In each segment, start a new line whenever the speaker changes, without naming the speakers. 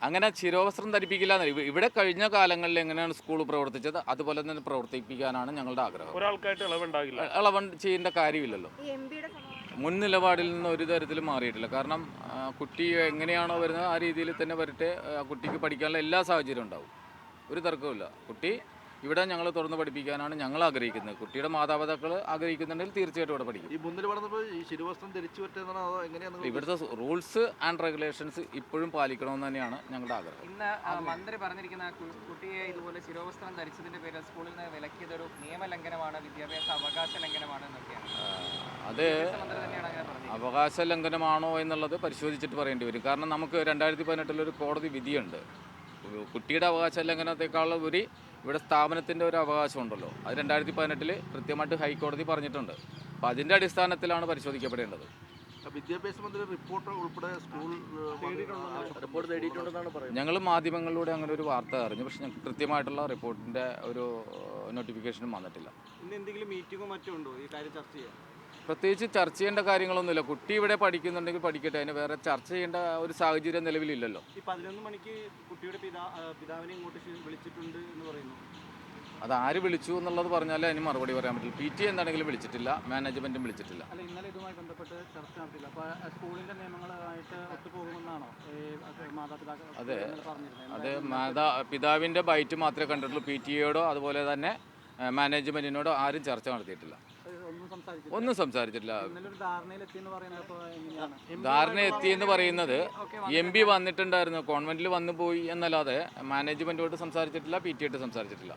അങ്ങനെ ശിരോവസ്ത്രം ധരിപ്പിക്കില്ല. ഇവിടെ കഴിഞ്ഞ കാലങ്ങളിൽ എങ്ങനെയാണ് സ്കൂൾ പ്രവർത്തിച്ചത് അതുപോലെ തന്നെ പ്രവർത്തിപ്പിക്കാനാണ് ഞങ്ങളുടെ ആഗ്രഹം.
ഒരാൾക്കായിട്ട് ഇളവുണ്ടാകില്ല.
ഇളവ് ചെയ്യേണ്ട കാര്യമില്ലല്ലോ. മുൻ നിലപാടിൽ നിന്ന് ഒരു തരത്തിലും മാറിയിട്ടില്ല. കാരണം കുട്ടി എങ്ങനെയാണോ വരുന്നത് ആ രീതിയിൽ തന്നെ വരട്ടെ. കുട്ടിക്ക് പഠിക്കാനുള്ള എല്ലാ സാഹചര്യവും ഉണ്ടാവും, ഒരു തർക്കവുമില്ല. കുട്ടി ഇവിടെ ഞങ്ങൾ തുറന്ന് പഠിപ്പിക്കാനാണ് ഞങ്ങൾ ആഗ്രഹിക്കുന്നത്. കുട്ടിയുടെ മാതാപിതാക്കൾ ആഗ്രഹിക്കുന്നുണ്ടെങ്കിൽ തീർച്ചയായിട്ടും ഇവിടെ പഠിക്കും.
ഈ മുന്നിൽ പറഞ്ഞപ്പോൾ ഈ ശിരോവസ്ത്രം ധരിച്ചു പറ്റുന്നതാണോ അതോ എങ്ങനെയാണ്?
ഇവിടുത്തെ റൂൾസ് ആൻഡ് റെഗുലേഷൻസ് ഇപ്പോഴും പാലിക്കണമെന്ന് തന്നെയാണ് ഞങ്ങളുടെ ആഗ്രഹം.
ഇന്ന് മന്ത്രി പറഞ്ഞിരിക്കുന്ന കുട്ടിയെ ഇതുപോലെ ശിരോവസ്ത്രം ധരിച്ചതിന്റെ പേരിൽ സ്കൂളിൽ നിന്ന് വിലക്കിയതൊരു നിയമലംഘനമാണ്, വിദ്യാഭ്യാസ അവകാശ ലംഘനമാണ് എന്നൊക്കെയാണ്.
അത് അവകാശ ലംഘനമാണോ എന്നുള്ളത് പരിശോധിച്ചിട്ട് പറയേണ്ടി വരും. കാരണം നമുക്ക് 2018 ഒരു കോടതി വിധിയുണ്ട്. കുട്ടിയുടെ അവകാശ ലംഘനത്തെക്കാൾ ഉപരി ഇവിടെ സ്ഥാപനത്തിൻ്റെ ഒരു അവകാശമുണ്ടല്ലോ, അത് 2018 കൃത്യമായിട്ട് ഹൈക്കോടതി പറഞ്ഞിട്ടുണ്ട്. അപ്പോൾ അതിൻ്റെ അടിസ്ഥാനത്തിലാണ് പരിശോധിക്കപ്പെടേണ്ടത്.
വിദ്യാഭ്യാസ മന്ത്രി റിപ്പോർട്ട് ഉൾപ്പെടെ സ്കൂൾ റിപ്പോർട്ട് തേടിയിട്ടുണ്ടെന്നാണ് പറയുന്നത്.
ഞങ്ങൾ മാധ്യമങ്ങളിലൂടെ അങ്ങനെ ഒരു വാർത്ത അറിഞ്ഞു, പക്ഷേ ഞങ്ങൾക്ക് കൃത്യമായിട്ടുള്ള റിപ്പോർട്ടിൻ്റെ ഒരു നോട്ടിഫിക്കേഷനും വന്നിട്ടില്ല.
ഇന്ന് എന്തെങ്കിലും മീറ്റിങ്ങോ മറ്റോ ഉണ്ടോ ഈ കാര്യം ചർച്ച ചെയ്യാൻ?
പ്രത്യേകിച്ച് ചർച്ച ചെയ്യേണ്ട കാര്യങ്ങളൊന്നുമില്ല. കുട്ടി ഇവിടെ പഠിക്കുന്നുണ്ടെങ്കിൽ പഠിക്കട്ടെ, അതിന് വേറെ ചർച്ച ചെയ്യേണ്ട ഒരു സാഹചര്യം നിലവിലില്ലല്ലോ.
ഈ 11 മണിക്ക് കുട്ടിയുടെ പിതാവിനെ ഇങ്ങോട്ട് വിളിച്ചിട്ടുണ്ട് എന്ന് പറയുന്നു.
അത് ആര് വിളിച്ചു എന്നുള്ളത് പറഞ്ഞാലേ അതിന് മറുപടി പറയാൻ പറ്റില്ല. PT എന്താണെങ്കിലും വിളിച്ചിട്ടില്ല, മാനേജ്മെൻറ്റും വിളിച്ചിട്ടില്ല.
അല്ല, ഇന്നലെ ഇതുമായി ബന്ധപ്പെട്ട് ചർച്ച നടത്തില്ല. അപ്പോൾ സ്കൂളിൻ്റെ നിയമങ്ങളുമായിട്ട് ഒത്തുപോകുമെന്നാണോ മാതാപിതാക്കൾ പറഞ്ഞിരുന്നത്?
അത് പിതാവിൻ്റെ ബൈറ്റ് മാത്രമേ കണ്ടിട്ടുള്ളൂ. PTA അതുപോലെ തന്നെ മാനേജ്മെൻറ്റിനോടോ ആരും ചർച്ച നടത്തിയിട്ടില്ല, ഒന്നും സംസാരിച്ചിട്ടില്ല. ധാരണ എത്തിയെന്ന് പറയുന്നത് MP വന്നിട്ടുണ്ടായിരുന്നു, കോൺവെന്റിൽ വന്നു പോയി എന്നല്ലാതെ മാനേജ്മെന്റോട് സംസാരിച്ചിട്ടില്ല, PT ആയിട്ട് സംസാരിച്ചിട്ടില്ല.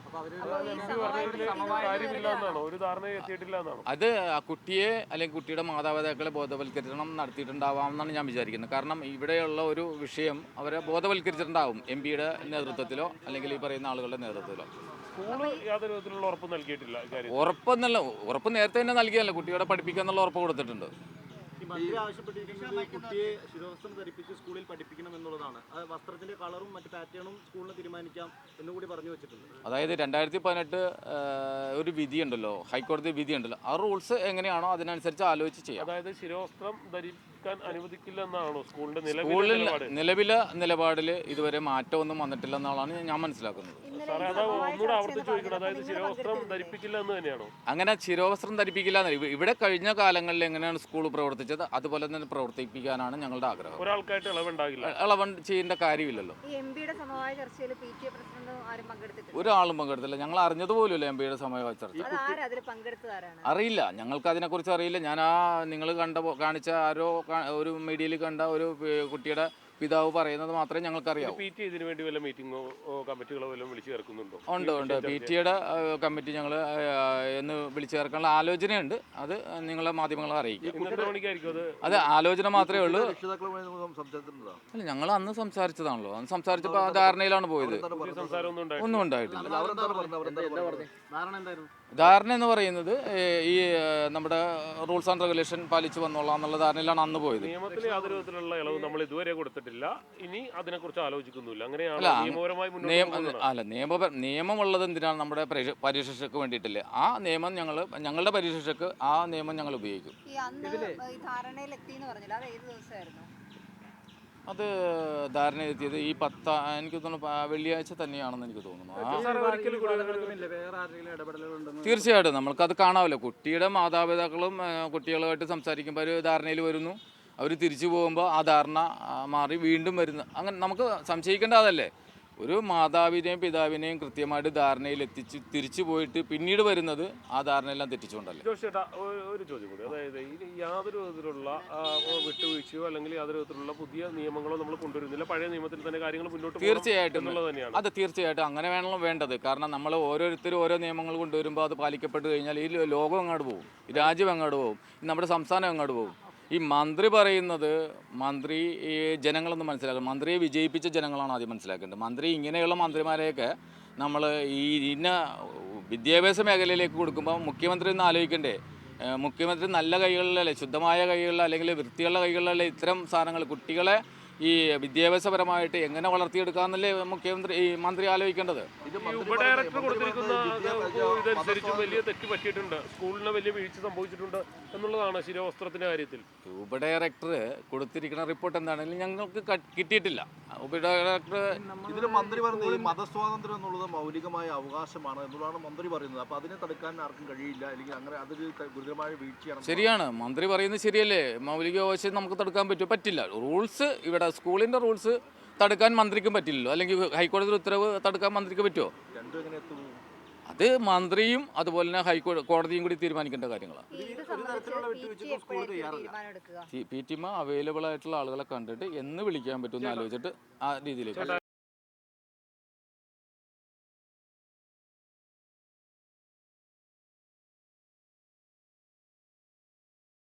അത് ആ കുട്ടിയെ അല്ലെങ്കിൽ കുട്ടിയുടെ മാതാപിതാക്കളെ ബോധവൽക്കരണം നടത്തിയിട്ടുണ്ടാവാമെന്നാണ് ഞാൻ വിചാരിക്കുന്നത്. കാരണം ഇവിടെയുള്ള ഒരു വിഷയം അവരെ ബോധവൽക്കരിച്ചിട്ടുണ്ടാവും MP-യുടെ നേതൃത്വത്തിലോ അല്ലെങ്കിൽ ഈ പറയുന്ന ആളുകളുടെ നേതൃത്വത്തിലോ. ഉറപ്പ് നേരത്തെ തന്നെ നൽകിയല്ലോ, കുട്ടിയോടെ പഠിപ്പിക്കുക എന്നുള്ള ഉറപ്പ് കൊടുത്തിട്ടുണ്ട്.
മന്ത്രി ആവശ്യപ്പെട്ടിരിക്കുന്നത് കുട്ടിയെ ശിരോവസ്ത്രം ധരിപ്പിച്ച് സ്കൂളിൽ പഠിപ്പിക്കണം എന്നുള്ളതാണ്. വസ്ത്രത്തിന്റെ കളറും മറ്റു പാറ്റേണും സ്കൂളിന് തീരുമാനിക്കാം എന്നുകൂടി പറഞ്ഞു വെച്ചിട്ടുണ്ട്.
അതായത് 2018 ഒരു വിധിയുണ്ടല്ലോ, ഹൈക്കോടതി വിധിയുണ്ടല്ലോ, ആ റൂൾസ് എങ്ങനെയാണോ അതിനനുസരിച്ച് ആലോചിച്ച് ചെയ്യാം.
അതായത് ശിരോവസ്ത്രം ധരിക്കാൻ അനുവദിക്കില്ല എന്നാണോ സ്കൂളിന്റെ
നിലവിലെ നിലപാടിൽ ഇതുവരെ മാറ്റമൊന്നും വന്നിട്ടില്ല എന്നാണ് ഞാൻ മനസ്സിലാക്കുന്നത്. അങ്ങനെ ശിരോവസ്ത്രം ധരിപ്പിക്കില്ല. ഇവിടെ കഴിഞ്ഞ കാലങ്ങളിൽ എങ്ങനെയാണ് സ്കൂൾ പ്രവർത്തിച്ചത് അതുപോലെ തന്നെ പ്രവർത്തിപ്പിക്കാനാണ് ഞങ്ങളുടെ ആഗ്രഹം.
ഒരാൾക്കായിട്ട്
ഇളവ് ചെയ്യേണ്ട കാര്യമില്ലല്ലോ. ഒരാളും പങ്കെടുത്തില്ല. ഞങ്ങൾ അറിഞ്ഞതുപോലുമില്ല MP-യുടെ സമവായ ചർച്ച. അറിയില്ല, ഞങ്ങൾക്ക് അതിനെക്കുറിച്ച് അറിയില്ല. ഞാൻ നിങ്ങൾ കാണിച്ച ആരോ ഒരു മീഡിയയിൽ കണ്ട ഒരു കുട്ടിയുടെ പിതാവ് പറയുന്നത് മാത്രമേ ഞങ്ങൾക്കറിയാവൂ.
ഇതിനു വേണ്ടി വല്ല മീറ്റിംഗോ കമ്മിറ്റികളോ വല്ലതും വിളിച്ചു ചേർക്കുന്നുണ്ടോ?
ഉണ്ട്. PT-യുടെ കമ്മിറ്റി ഞങ്ങൾ എന്ന് വിളിച്ചു ചേർക്കാനുള്ള ആലോചനയുണ്ട്. അത് നിങ്ങളെ മാധ്യമങ്ങളെ അറിയിക്കും. അത് ആലോചന മാത്രമേ ഉള്ളൂ. അല്ല, ഞങ്ങൾ അന്ന് സംസാരിച്ചതാണല്ലോ. അന്ന് സംസാരിച്ചപ്പോൾ ആ ധാരണയിലാണ് പോയത്. ഒന്നും ഉണ്ടായിട്ടില്ല. ധാരണ എന്ന് പറയുന്നത് ഈ നമ്മുടെ റൂൾസ് ആൻഡ് റെഗുലേഷൻ പാലിച്ചു വന്നോളാം എന്നുള്ള ധാരണയിലാണ് അന്ന് പോയത്.
നിയമത്തിൽ യാതൊരു വിധത്തിലുള്ള ഇളവ് നമ്മൾ ഇതുവരെ കൊടുത്തിട്ടില്ല. ഇനി അതിനെക്കുറിച്ച് ആലോചിക്കുന്നില്ല.
നിയമമുള്ളത് എന്തിനാണ്? നമ്മുടെ പരീക്ഷയ്ക്ക് വേണ്ടിയിട്ടില്ലേ? ആ നിയമം ഞങ്ങളുടെ പരീക്ഷയ്ക്ക് ആ നിയമം ഞങ്ങൾ ഉപയോഗിക്കും. അത് ധാരണ എത്തിയത് ഈ എനിക്ക് തോന്നുന്നു വെള്ളിയാഴ്ച തന്നെയാണെന്ന് എനിക്ക് തോന്നുന്നു. തീർച്ചയായിട്ടും നമ്മൾക്കത് കാണാമല്ലോ. കുട്ടിയുടെ മാതാപിതാക്കളും കുട്ടികളുമായിട്ട് സംസാരിക്കുമ്പോൾ ഒരു ധാരണയിൽ വരുന്നു, അവർ തിരിച്ചു പോകുമ്പോൾ ആ ധാരണ മാറി വീണ്ടും വരുന്നു. അങ്ങനെ നമുക്ക് സംശയിക്കേണ്ട അതല്ലേ. ഒരു മാതാവിനെയും പിതാവിനെയും കൃത്യമായിട്ട് ധാരണയിൽ എത്തിച്ച് തിരിച്ചു പോയിട്ട് പിന്നീട് വരുന്നത് ആ ധാരണയെല്ലാം തെറ്റിച്ചുകൊണ്ടല്ലേ.
ചേട്ടാ, ഒരു ചോദ്യം കൂടി. അതായത് യാതൊരു വിധത്തിലുള്ള വിട്ടുവീഴ്ചയോ അല്ലെങ്കിൽ യാതൊരു വിധത്തിലുള്ള പുതിയ നിയമങ്ങളോ നമ്മൾ കൊണ്ടുവരുന്നില്ല. പഴയ നിയമത്തിൽ തന്നെ കാര്യങ്ങൾ മുന്നോട്ട്
തീർച്ചയായിട്ടും അങ്ങനെ വേണമല്ലോ വേണ്ടത്. കാരണം നമ്മൾ ഓരോരുത്തരും ഓരോ നിയമങ്ങൾ കൊണ്ടുവരുമ്പോൾ അത് പാലിക്കപ്പെട്ട് കഴിഞ്ഞാൽ ഈ ലോകം അങ്ങോട്ട് പോകും, ഈ രാജ്യം അങ്ങോട്ട് പോകും, നമ്മുടെ സംസ്ഥാനം അങ്ങോട്ട് പോകും. ഈ മന്ത്രി പറയുന്നത് ഈ ജനങ്ങളൊന്നും മനസ്സിലാക്കണം. മന്ത്രിയെ വിജയിപ്പിച്ച ജനങ്ങളാണ് ആദ്യം മനസ്സിലാക്കേണ്ടത്. മന്ത്രി ഇങ്ങനെയുള്ള മന്ത്രിമാരെയൊക്കെ നമ്മൾ ഇന്ന വിദ്യാഭ്യാസ മേഖലയിലേക്ക് കൊടുക്കുമ്പോൾ മുഖ്യമന്ത്രി ഒന്ന് ആലോചിക്കണ്ടേ? മുഖ്യമന്ത്രി നല്ല കൈകളിലല്ലേ, ശുദ്ധമായ കൈകളിൽ അല്ലെങ്കിൽ വൃത്തിയുള്ള കൈകളിലല്ലേ ഇത്തരം സാധനങ്ങൾ കുട്ടികളെ ഈ വിദ്യാഭ്യാസപരമായിട്ട് എങ്ങനെ വളർത്തിയെടുക്കാമെന്നല്ലേ മുഖ്യമന്ത്രി ഈ മന്ത്രി ആലോചിക്കേണ്ടത്.
ഇത്
ഈ
മന്ത്രി
ഉപഡയറക്ടർ
മന്ത്രി
കൊടുത്തിരിക്കുന്ന
പറയുന്നത്
ഇതനുസരിച്ച് വലിയ തെറ്റ് പറ്റിയിട്ടുണ്ട്, സ്കൂളിന് വലിയ വീഴ്ച സംഭവിച്ചിട്ടുണ്ട് എന്നുള്ളതാണ് ശിരോവസ്ത്രത്തിന്റെ കാര്യത്തിൽ.
ഉപഡയറക്ടർ കൊടുത്തിരിക്കുന്ന റിപ്പോർട്ട് എന്താണെങ്കിലും ഞങ്ങൾക്ക് കിട്ടിയിട്ടില്ല. ഉപഡയറക്ടർ
ഇതിന് മന്ത്രി പറയുന്നത് ഈ മതസ്വാതന്ത്ര്യം എന്നുള്ളത് മൗലികമായ അവകാശമാണ് എന്നുള്ളതാണ് മന്ത്രി പറയുന്നത്. അപ്പൊ അതിനെ തടുക്കാൻ ആർക്കും കഴിയില്ല, അല്ലെങ്കിൽ അങ്ങനെ അതൊരു ഗുരുതരമായ വീഴ്ചയാണ്.
ശരിയാണ്, മന്ത്രി പറയുന്നത് ശരിയല്ലേ. മൗലിക അവകാശം നമുക്ക് തടുക്കാൻ പറ്റില്ല. റൂൾസ് ഇവിടെ സ്കൂളിൻ്റെ റൂൾസ് തടുക്കാൻ മന്ത്രിക്കും പറ്റില്ലല്ലോ, അല്ലെങ്കിൽ ഹൈക്കോടതി ഉത്തരവ് തടുക്കാൻ മന്ത്രിക്ക് പറ്റുമോ?
രണ്ടും എങ്ങനെ എത്തുന്നു?
അത് മന്ത്രിയും അതുപോലെ തന്നെ കോടതിയും കൂടി തീരുമാനിക്കേണ്ട കാര്യങ്ങളാണ്. പി ടി എം അവൈലബിൾ ആയിട്ടുള്ള ആളുകളെ കണ്ടിട്ട് എന്ന് വിളിക്കാൻ പറ്റുമെന്ന് ആലോചിച്ചിട്ട് ആ രീതിയിലേക്ക്